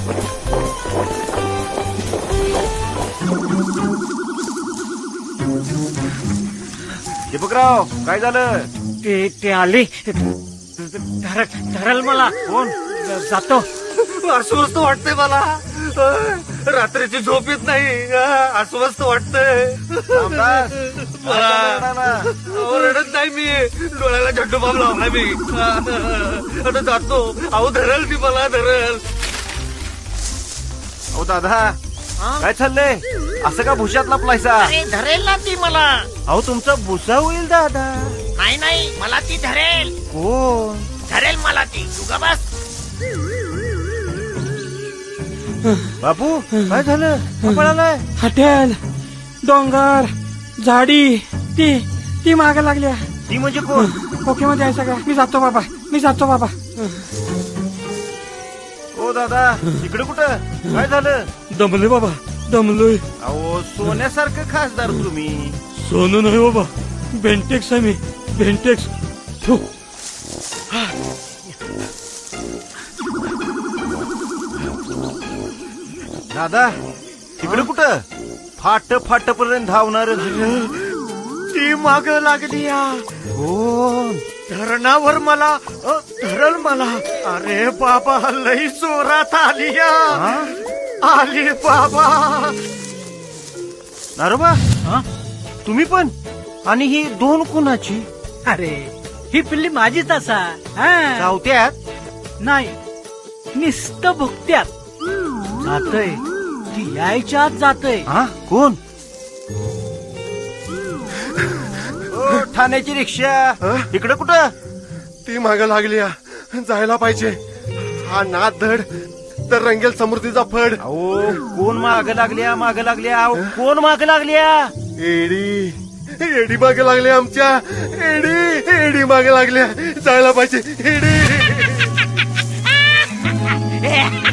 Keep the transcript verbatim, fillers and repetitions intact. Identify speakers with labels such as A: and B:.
A: दीपकराव काय झालं?
B: ते ते आले धरल धरल मला.
A: कोण?
B: जातो.
C: अस्वस्थ वाटतंय मला. रात्रीची झोप येत नाही. अस्वस्थ वाटतंय.
A: रामदास, काय झालं रडायला?
C: अहो, रडत नाही मी. डोळ्याला झड्डू बाम लावलाय मी. आता जातो. अहो धरल ती मला धरल.
A: अहो दादा काय चाललंय? असं का भुशात लपलायसा?
B: अरे धरेल ना ती मला.
A: अहो तुमचा भुसा होईल दादा.
B: नाही नाही मला ती धरेल.
A: कोण?
B: धरेल मला ती. तू ग बस.
A: बापू काय झालं? का पळालाय?
D: हॉटेल डोंगर झाडी ती ती माग लागल्या.
A: ती म्हणजे कोण?
D: ओके मध्ये आहे सगळं. मी जातो बाबा. मी जातो बाबा.
A: ओ दादा इकडे कुठं? काय झालं?
D: दमलोय बाबा. दमलोय.
A: अहो सोन्यासारखं खासदार तुम्ही.
D: सोनू नाही बाबा. बेंटेक्स आहे मी. बेंटेक्स. थू.
A: दादा तिकडे कुठं? फाट फाट पर्यंत धावणार.
C: ती माग लागली.
A: कोण?
C: धरणावर मला अ, धरल मला. अरे बाबा लई जोरात आली या. आली बाबा.
A: नारोबा तुम्ही पण? आणि ही दोन कुणाची?
B: अरे ही पिल्ली माझीच असा. हा.
A: धावत्यात?
B: नाही निस्त भुकत्यात. जातय ती यायच्या आत जातय.
A: हा कोण? ओ, ठाण्याची रिक्षा इकडे कुठं?
C: ती माग लागली. जायला पाहिजे. हा नाद धड तर रंगेल समृद्धीचा फड.
A: अहो कोण माग लागल्या? माग लागल्या? अहो, कोण माग लागल्या?
C: एडी एडी मागे लागले आमच्या. एडी एडी मागे लागल्या. जायला पाहिजे. एडी